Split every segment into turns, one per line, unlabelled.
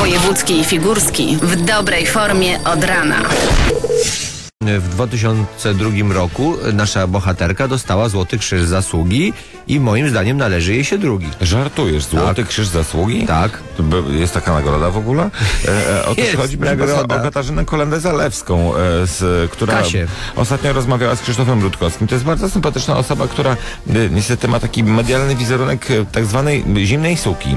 Wojewódzki i Figurski w dobrej formie od rana.
W 2002 roku nasza bohaterka dostała Złoty Krzyż Zasługi i moim zdaniem należy jej się drugi.
Żartujesz? Złoty Krzyż Zasługi?
Tak.
Jest taka nagroda w ogóle? Otóż chodzi mi o Katarzynę Kolendę-Zalewską, która
Kasię.
ostatnio rozmawiała z Krzysztofem Rutkowskim. To jest bardzo sympatyczna osoba, która niestety ma taki medialny wizerunek tak zwanej zimnej suki,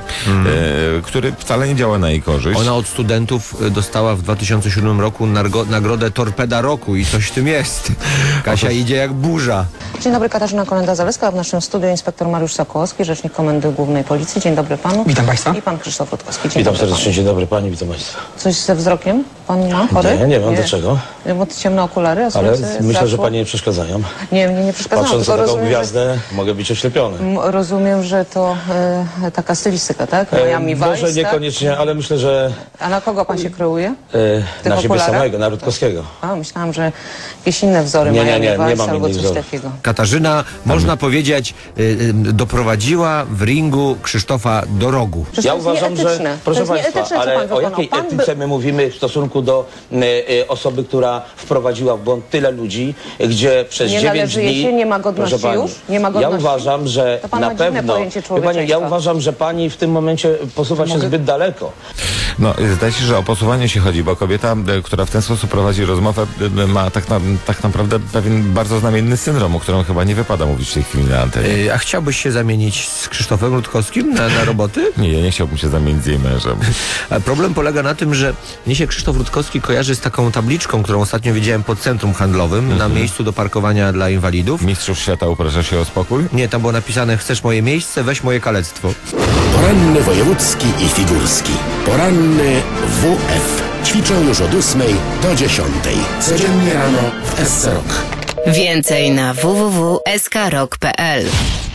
który wcale nie działa na jej korzyść.
Ona od studentów dostała w 2007 roku nagrodę Torpeda Roku i coś w tym jest. Kasia idzie jak burza.
Dzień dobry, Katarzyna Kolenda-Zalewska, w naszym studiu inspektor Mariusz Sokołowski, rzecznik Komendy Głównej Policji. Dzień dobry panu.
Witam państwa.
I pan Krzysztof Rutkowski. Dzień
Witam
dobry
serdecznie, dzień dobry pani, witam państwa.
Coś ze wzrokiem pan ma? Chory?
Nie mam, dlaczego?
Bo ciemne okulary, a
Ale
słońce
myślę, że
zaszło.
pani nie przeszkadzają.
Nie, mnie nie przeszkadzało,
Patrząc
tylko
na taką
rozumiem,
gwiazdę, mogę być oślepiony.
rozumiem, że to taka stylistyka, tak? Miami Vice,
Może niekoniecznie,
tak?
ale myślę, że
A na kogo pan się kreuje?
na siebie
okularach?
samego, na Rutkowskiego.
A, myślałam, że jakieś inne wzory
Nie,
Miami
nie
Vice
mam
albo
innych
coś
wzorów.
takiego.
Katarzyna, można powiedzieć, doprowadziła w ringu Krzysztofa do rogu.
Przecież
Ja
to jest
uważam,
nieetyczne.
że,
To
proszę
jest
państwa,
nieetyczne, co pan
ale o
wykonał.
jakiej
Pan
etyce my mówimy w stosunku do osoby, która wprowadziła w błąd tyle ludzi, gdzie przez
Nie
9
należy jej
dni...
się, nie ma godności
Proszę pani,
już? Nie ma
Ja
godności?
uważam, że
To pan
na
ma dziwne
pewno...
pojęcie
Wie pani, ja
człowieczeństwa.
uważam, że pani w tym momencie posuwa się zbyt daleko.
No, zdaje się, że o posuwanie się chodzi, bo kobieta, która w ten sposób prowadzi rozmowę, ma tak naprawdę pewien bardzo znamienny syndrom, o którym chyba nie wypada mówić w tej chwili na antenie.
A chciałbyś się zamienić z Krzysztofem Rutkowskim na roboty?
Nie, ja nie chciałbym się zamienić z jej mężem.
A problem polega na tym, że mnie się Krzysztof Rutkowski kojarzy z taką tabliczką, którą ostatnio widziałem pod centrum handlowym na miejscu do parkowania dla inwalidów.
Mistrzów świata uprasza się o spokój?
Nie, tam było napisane: chcesz moje miejsce, weź moje kalectwo.
Poranny wojewódzki i figurski. Poranny WF. Ćwiczą już od 8 do 10. Codziennie rano w SC Rock.
Więcej na www.skrok.pl.